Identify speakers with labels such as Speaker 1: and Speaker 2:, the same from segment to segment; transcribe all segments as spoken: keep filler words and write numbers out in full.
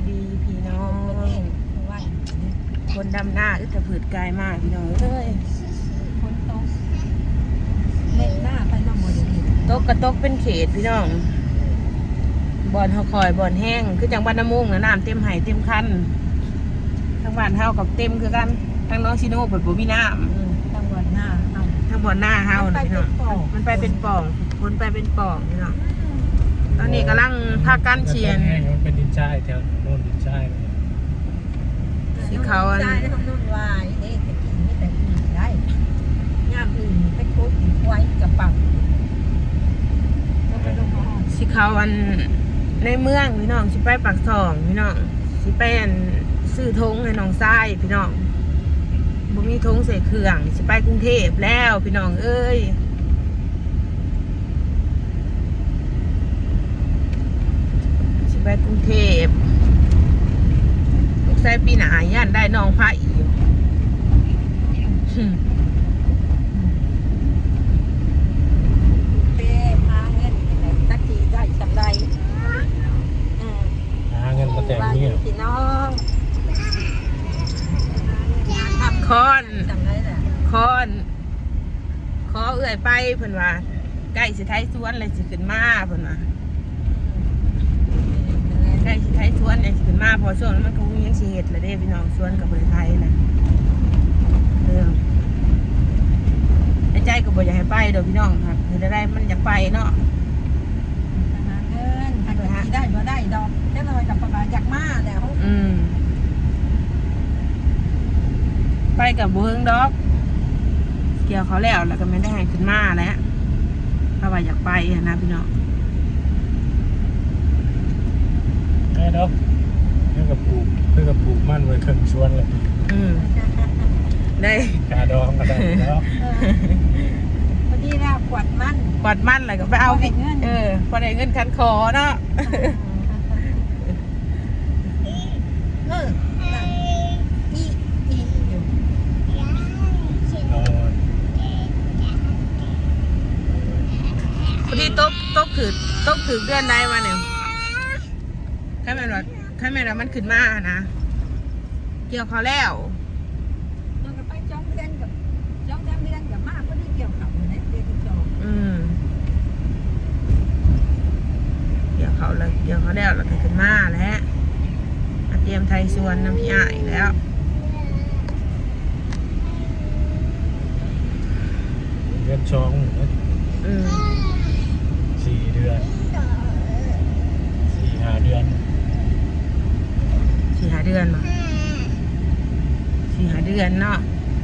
Speaker 1: ดีพี่น้องคนดำหน้าอึดกระผืดกายมากพี่น้องเอ้ย
Speaker 2: คนโตเล่นหน้าไปน้ำมันดี
Speaker 1: ตกกระตกเป็นเขตพี่น้องบ่อนเฮาคอยบ่อนแห้งคือจังบ้านน้ำมุงนะน้ำเต็มไหเต็มคันทั้งบ้านเฮากับเต็มคือกันทั้งน้องชิโน่เปิดบ่มีน้
Speaker 2: ำทั้งบ่อนหน้าเอา
Speaker 1: ทั้งบ่อนหน้าเฮาพี่น้องมันไปเป็นป่องพ้นไปเป็นป่องพี่น้องตอนนี้กำลังพากันเชียน
Speaker 3: มันเป็นดินทรายแถวโน่นดินทราย
Speaker 1: สีเขาอัน
Speaker 2: ใช่ทำนุ่นวายเอ๊ะแต่กินไม่แต่กินได้ย่ามอื่นไปโคตรไว้กับปัง
Speaker 1: สีเขาอันในเมืองพี่น้องสิไปปากซองพี่น้องสิไปอันซื้อธงให้น้องทรายพี่น้องบ่มีธงใส่เครื่องสิไปกรุงเทพแล้วพี่น้องเอ้ยสิไปกรุงเทพลูกชายปีหน้าย่านได้น้องพระอีก
Speaker 2: เป้พาเงินสักทีได้จำได้
Speaker 3: หาเงินมาแต่งเนี่ย
Speaker 2: พี่น้อง
Speaker 1: คอนคอนขอเอื่อยไปเพิ่นว่าใกล้สิไทยสวนเลยสิขึ้นมาเพิ่นว่าใกล้สิไทยสวนเลยสิขึ้นมาพอช่วงนั้นมันก็มียังสิเฮ็ดละเด้พี่น้องสวนกับประเทศไทยน่ะเรื่องใจก็บ่อยากให้ไปดอกพี่น้องครับเฮ็ดได้มันอยากไปเนาะ
Speaker 2: หาเงินถ้าเกิดได้บ่ได้ดอกแค่น้อยกับประมาณอยากมาแล้ว
Speaker 1: อืมไปกับบ่เฮิงดอกเกี่ยวเขาแล้วแล้วก็ไม่ได้ให้ขึ้นมาแล้วเพราะว่าอยากไปนะพี่น้อง
Speaker 3: แม่ดอกเพื่อกับปลูกเพื่อกับปลูกมั่นไว้ครึ่งชวนเลย
Speaker 1: อืมได้
Speaker 3: กาดองก็ได้แล้ว
Speaker 2: พอดีแล้วขวดมัน
Speaker 1: ขวดมันอะไรก็ไปเอาเออพอได้เงินคันคอเนาะ
Speaker 2: เอออีอีอยู่
Speaker 1: พอดีตกตกถือตกถือเดือนได้มาเนี่ยแค่แม่รถแค่แม่รถมันขึ้นมานะเกี่ยวเขาแล้ว
Speaker 2: มันก็ไปจ้องเดือนกับจ้องเดือนเดือนกับมากก็ได้เกี่ยวกับอยู่ในเดือนที่สอง
Speaker 1: อืมเกี่ยวเขาเลยเกี่ยวเขาแล้วแล้วก็ขึ้นมาแล้วเตรียมไทยสวนน้ำพี่อ้ายแล้ว
Speaker 3: เดือนสอง
Speaker 1: อืม
Speaker 3: สี่เดือนสี่ห้าเดือน
Speaker 1: สี่ห้าเดือนมาสี่ห้าเดือนเนาะ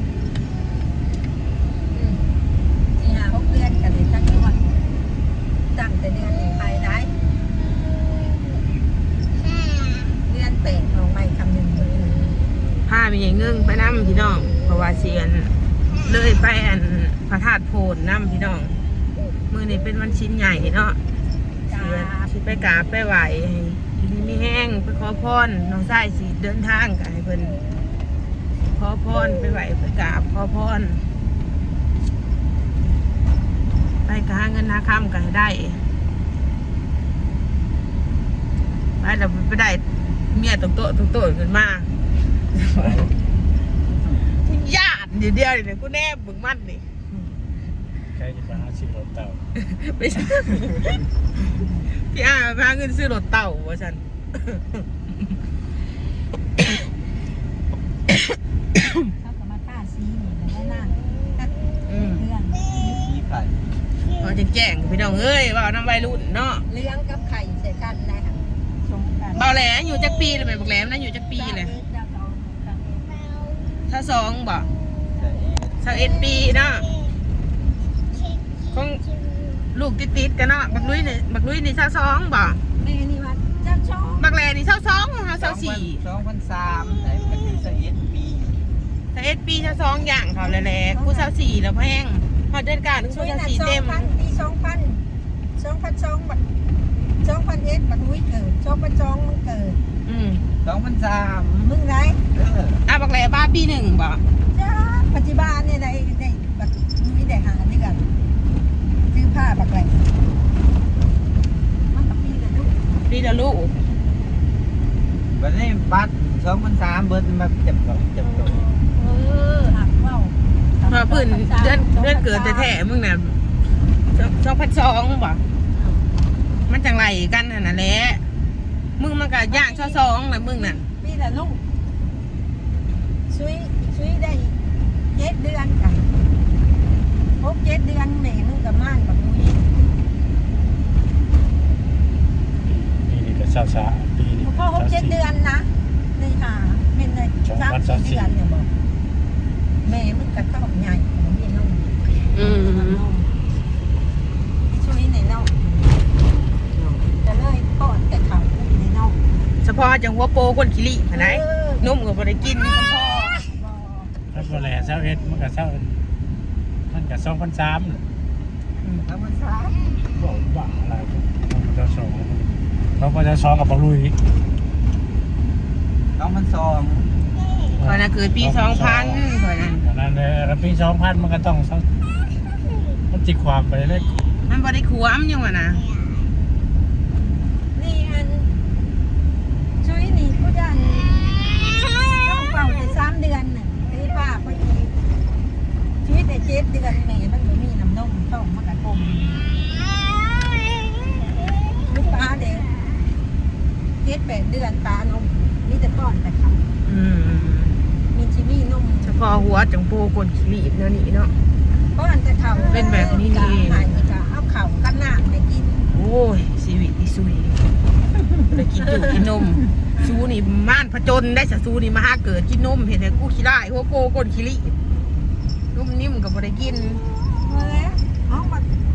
Speaker 2: สี่ห้าหกเดือนกันเลยตั้งวันตั้งแต่เดือนไปได้เดือนแปดของไม่คำหนึ่ง
Speaker 1: ผ้ามีอย่างเงื่งไปน้ำพี่น้องเพราะว่าเสียนเลยไปอันพระธาตุโพนน้ำพี่น้องมือนี้เป็นวันชิ้นใหญ่เนาะเสียสิไปกราบไปไหวทีนี้ไม่แห้งไปขอพรน้องชายสิเดินทางกันให้เพิ่นขอพรไปไหวไปกราบขอพรไปกหาเงินหาคำกันให้ได้ไปแล้วไปได้เมียตกโต๊ะตกโต๊ะขึ้นมาญาติเดียวเดียวเนี่ยกูแน่บึงมันนี่
Speaker 3: ใครจะมาหาซื้อรถเต่า
Speaker 1: ไม่ใช่พี่อาพาเงินซื้อรถเต่าวะฉัน
Speaker 2: เขาก็มาฆ่าซีนี่แล้วนั่ง
Speaker 1: อืม
Speaker 2: เรื่อง
Speaker 1: พอจะแจ้งพี่น้องเอ้ยว่าน้ำวัยรุ่นเนาะ
Speaker 2: เลี้ยงกับไข่ใส่กันนะคะชมกัน
Speaker 1: เบาแหลอยู่จักปีเลยบอกแหลมนะอยู่จักปีเลยถ้าสองบ่สักเอ็ดปีเนาะของลูกติดๆกันเนาะบักลุยนี่บักลุยนี่ถ้าสองบ่
Speaker 2: แม่นี่ว่าเจ้าชอบ
Speaker 1: บักแหลนี่ถ้าสองถ้าสองสี่
Speaker 4: สองพันสามแต่ก็คือสักเอ็ดปี
Speaker 1: ถ้าเอ็ดปีถ้าสองอย่างเขาแหละกูสาวสี่แล้วแพงพอเดินการถึงกูสาวสี่เต็ม
Speaker 2: ปีสองพันสองพันสองบักสองพันเอ็ดบักลุยเกิดสองพันสองมันเกิด
Speaker 1: อืม
Speaker 4: สองพันสาม
Speaker 2: มึงไง
Speaker 1: อ่ะบักแหลบ้าปีหนึ่งบ่
Speaker 2: จ้าปัจจุบันเนี่ยได้ได้บักลุยได้หานี่กันซื้อผ้าบักแหลมันกับปีละลูก
Speaker 1: ปีละลูก
Speaker 4: วันนี้บัตรสองพันสามเบิร์ดมาเจ็บก่อนเจ็บก่อน
Speaker 2: เออหักเว้า
Speaker 1: พอพื้นเดือนเดือนเกิดแท้ๆมึงน่ะสองพันสองบ่มันจังไรกันนั่นแหละมึงมันก็ย่างช่อสองนะมึงนั่น
Speaker 2: ปีละลูกช่วยช่วยได้เจ็ดเดือนกันพบเจ็ดเดือนแม่มึงกับม่านกับมุ้ย
Speaker 3: ปีนี้ก็ช้าช้าปีนี้
Speaker 2: พ่อพบเจ็ดเดือนนะในหาเป็นในสามสี่เดือนเนี่ยบอกแม่มึงกับต้องใหญ่ของพี่น้อง
Speaker 1: อืม
Speaker 2: ช่วยในน้องจะเลยป้อนแต่เขาในน้อง
Speaker 1: เฉพาะจังหัวโปคนขี้ลิไหนนุ่มก็บ่ได้กินเฉพาะ
Speaker 3: แล้วก็แหล่เช้าเอ็ดมันก็เช้ามันก็สองพันสาม
Speaker 4: สองพันสาม
Speaker 3: บอกว่าอะไรมันจะสองเราก็จะสองกับบอลลุย
Speaker 4: สองพันสอง
Speaker 1: คอยน่ะเกิดปีสองพันคอยนั้น
Speaker 3: ดังนั้นเลยแล้วปีสองพันมันก็ต้องมันจิกความไปเลย
Speaker 1: มันบ่ได้ขวมยังวะนะ
Speaker 2: นี่อันช่วยนี่ผู้ดันต้องเป่าในสามเดือนน่ะไอ้ป้าพอดีช่วยแต่เจ็ดเดือนแม่มันไม่มีน้ำนมท้องมันกระกลมลูกปลาเด็กเจ็ดแปดเดือนปลานมมีแต่ป้อนแต่เขา
Speaker 1: อืม
Speaker 2: มีชิมี่นม
Speaker 1: เฉพาะหัวจังโปคนขี้ลิเนาะนี่เนาะ
Speaker 2: ป้อนแต่เขา
Speaker 1: เป็นแบบนี้นี่เอง
Speaker 2: หายจะเอาเข่ากันหน้าไปกิน
Speaker 1: โอ้ยชีวิตอีสุยได้กินอยู่กินนมซูนี่ม่านผจญได้สะซูนี่มาหาเกิดกินนมเห็นแต่กูขี้ได้หัวโปคนขี้ลินุ่มนิ่มก็บ่ได้กิน
Speaker 2: เมื่อห้องมัน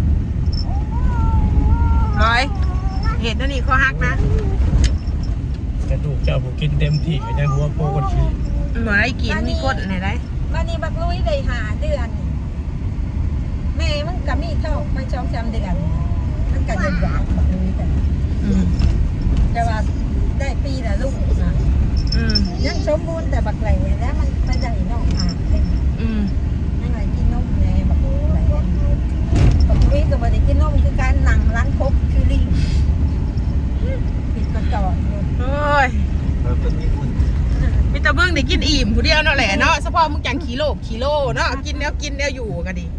Speaker 1: ร้อยเห็ดนั่นนี่ข้อหักนะ
Speaker 3: กระดูกเจ้าผู้กินเต็มที่ก็ยังหัวโปกันขี้
Speaker 1: เหมือนไอ้กินมีกดไหนได้
Speaker 2: มานี่บักลุยได้หาเดือน แม่มันก็มีท้องไม่ช่องสามเดือนมันก็ยังหวานบักลุยแต่
Speaker 1: อืม
Speaker 2: แต่ว่าได้ปีละลูกนะ
Speaker 1: อืม
Speaker 2: ยังสมบูรณ์แต่บักไหลแล้วมันไปได้นอกหาเป็น
Speaker 1: อืม
Speaker 2: ยังไงกินนมแน่บักไหลบักลุยก็บ่ได้กินนมคือการนั่งร้านคบคือลิงปิดกระจกอยู่
Speaker 1: โอ้ย
Speaker 4: เออเป็นมีคุณ
Speaker 1: มีแต่เบิ่งได้กินอิ่มผู้เดียวเนาะแหละเนาะเฉพาะมึงจังกิโลกิโลเนาะกินแล้วกินแล้วอยู่กันดิ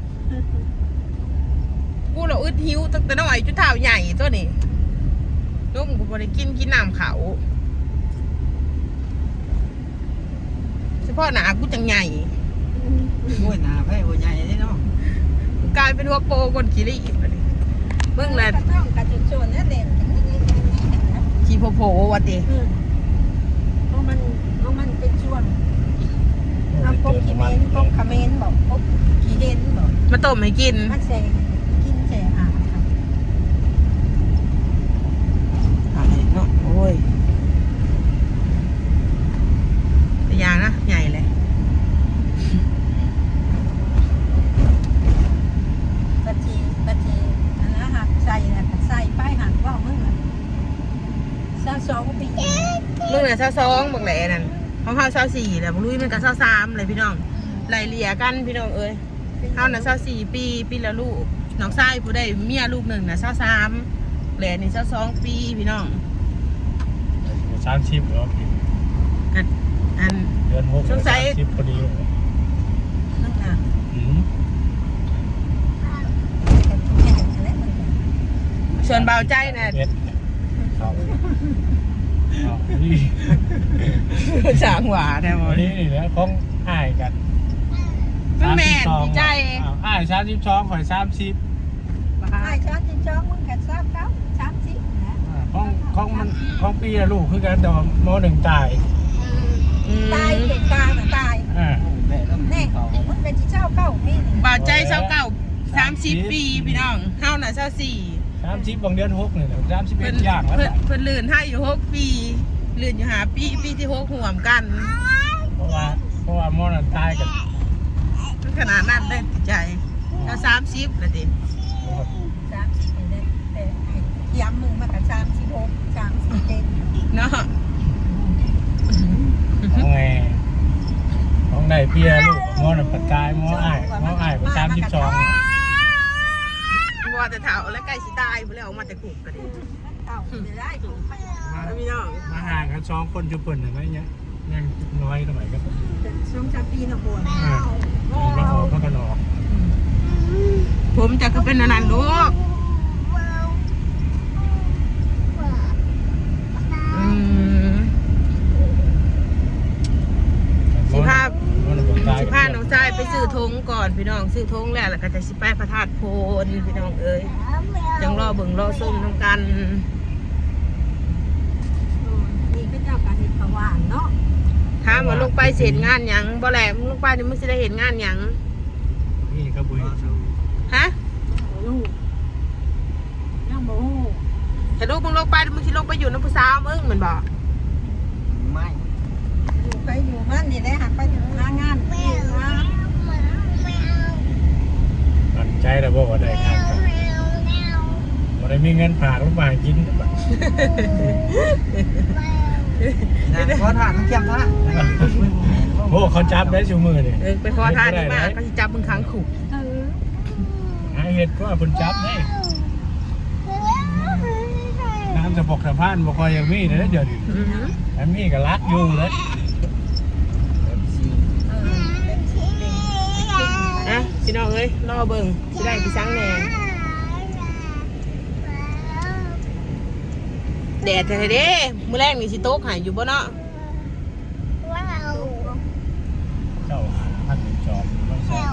Speaker 1: กูเราอึดหิวตั้งแต่น้อยจุดเท้าใหญ่ตัวนี้นุ่มกูบ่ได้กินกินน้ำเขาเฉพาะหนากูจังใหญ่
Speaker 4: มวยหนาไพ่หัวใหญ่นี่เนาะ
Speaker 1: กูกลายเป็นหัวโปคนขี้รีบบัดนี้เบิ่งแล้ว
Speaker 2: กระต้องกระจุดโซนนั่นเด่น
Speaker 1: ขี้โผล่ๆว่าติ
Speaker 2: อืมเพราะมันเพราะมันเป็นช่วงเอาพบขี้เมนพบขเมนบอกพบขี้เด่นบอก
Speaker 1: มาต้มให้กิน
Speaker 2: มันเสกินเสอาค่ะ
Speaker 1: เนาะโอ้ยแต่ยางนะใหญ่เลย
Speaker 2: บัดทีบัดทีอันนั้นหักใส่น่ะใส่ป้ายหักว่ามึงอ่ะซาสองปี
Speaker 1: มึงน่ะเศร้าสองบอกแหล่นั่นของเฮาเศร้าสี่แหละมึงลุยมันก็เศร้าสามเลยพี่น้องไล่เลี่ยกันพี่น้องเอ้ยเฮาน่ะเศร้าสี่ปีปีละลูกน้องชายผู้ได้เมียลูกหนึ่งน่ะเศร้าสามแหล่นี่เศร้าสองปีพี่น้อง
Speaker 3: สามสิบแล้ว
Speaker 1: ก็อัน
Speaker 3: เดือนหก
Speaker 1: สงสัย
Speaker 3: สิบพอดี
Speaker 2: นั่นน่ะ
Speaker 3: อืม
Speaker 2: แต่ทุกอย่างนั่นแหละมันก็
Speaker 1: ส่วนเบาใจน่ะ
Speaker 3: เอ็ดเอาเอานี่
Speaker 1: สางหวาได้บ่
Speaker 3: วันนี้นี่นะของอ้ายกัน
Speaker 1: มันแม่นดีใจ
Speaker 3: อ้าวอ้ายสามสิบสองข่อยสามสิบ
Speaker 2: ไอ้ช้อนจิ้มช้อนมึงแค่ทราบเก้าสามสิบนะ
Speaker 3: ของของมันของปีละลูกคือกันแต่ว่ามหนึ่งตาย
Speaker 1: อืม
Speaker 2: ตายเป็นกลางน่ะตาย
Speaker 3: อ่า
Speaker 4: แม่ต้อง
Speaker 2: แน่
Speaker 4: เขา
Speaker 2: มึงเป็นที่เช่าเก้าปีนี่
Speaker 1: เบาใจเศร้าเก่าสามสิบปีพี่น้องเฮาน่ะเศร้าสี่
Speaker 3: สามสิบบางเดือนหกเนี่ยสามสิบเอ็
Speaker 1: เพิ่
Speaker 3: ด
Speaker 1: น
Speaker 3: อย่างแล้ว
Speaker 1: เพิ่นเพิ่นลื่นให้อยู่หกปีลื่นอยู่หาปีปีที่หกห่วมกัน
Speaker 3: เพราะว่าเพราะว่ามหนึ่งตายกัน
Speaker 1: มันขนาดนั้นได้ติดใจแล้วสามสิบละดิ
Speaker 2: สามสิบเอ็ดแต่ย้ำมึงมากับสามสิบหกสามสิบเจ็ด
Speaker 1: เนาะ
Speaker 3: ของไงของได้เพียลูกมหนึ่งปัดกายมอ้ายมอ้ายไปสามสิบสอง
Speaker 1: ว่าแต่เฒ่าแล้วใกล้สิตายพุ่นแล้วออกมาแต่คุกก็ดิ
Speaker 2: เก้าจะได้ถูกไหม
Speaker 1: พี่น้อง
Speaker 3: มาห่างกันกันสองคนจุเปิ่นอะไรเงี้ยยังน้อยสมัยกัน
Speaker 2: ช่วงชาปีนะบัว
Speaker 3: อ่าก็ออกก็นอ
Speaker 1: ผมจะก็เป็นอันนั้นลูกอืมสิภาพสิพาน้องชายไปซื้อธงก่อนพี่น้องซื้อธงแล้วแล้วก็จะสิไปพระธาตุโพนพี่น้องเอ้ยจังรอเบิ่งรอส้มน้ำกัน
Speaker 2: นี่ก็เจ้าการเห็นประวานเนาะ
Speaker 1: ถามว่าลูกไปเสร็จงานหยังบ่แหลมลูกไปนี่มึงสิได้เห็นงานหยัง
Speaker 3: นี่ก็บุญ
Speaker 1: ฮะ
Speaker 2: ลูกยังบ่ฮู้
Speaker 1: แต่ลูกมึงลงไปมึงสิลงไปอยู่น้ำผู้สาวมึงเหมือนบอก
Speaker 4: ไม่
Speaker 2: อยู่ไปอยู่มันนี่ได้หักไปหางานนี่นะ
Speaker 3: ตัดใจแล้วบอกว่าได้ครับว่าได้มีเงินฝากลูกมากิน
Speaker 4: นางขอทานต้องเขียมท่า
Speaker 3: โอ้เขาจับได้ชูมือเนี่ย
Speaker 1: เออไปขอทานนี่มาก็สิจับมึงขังขู่
Speaker 2: เออ
Speaker 3: หาเห็ดก็เพิ่นจับได้น้ำจะบอกสะพานบอกว่ายังมีเลยเดี๋ยวนี้
Speaker 1: อือหือ
Speaker 3: อันนี้ก็รักอยู่เลย
Speaker 2: เออเป็นสิเป็น
Speaker 1: อ่ะพี่น้องเอ้ยรอเบิ่งสิได้กี่ซังแหน่แดดแท้ๆเด้มื้อแรกนี่สิโต๊กหายอยู่บ่เนาะ
Speaker 3: เจ้าหาพันจอม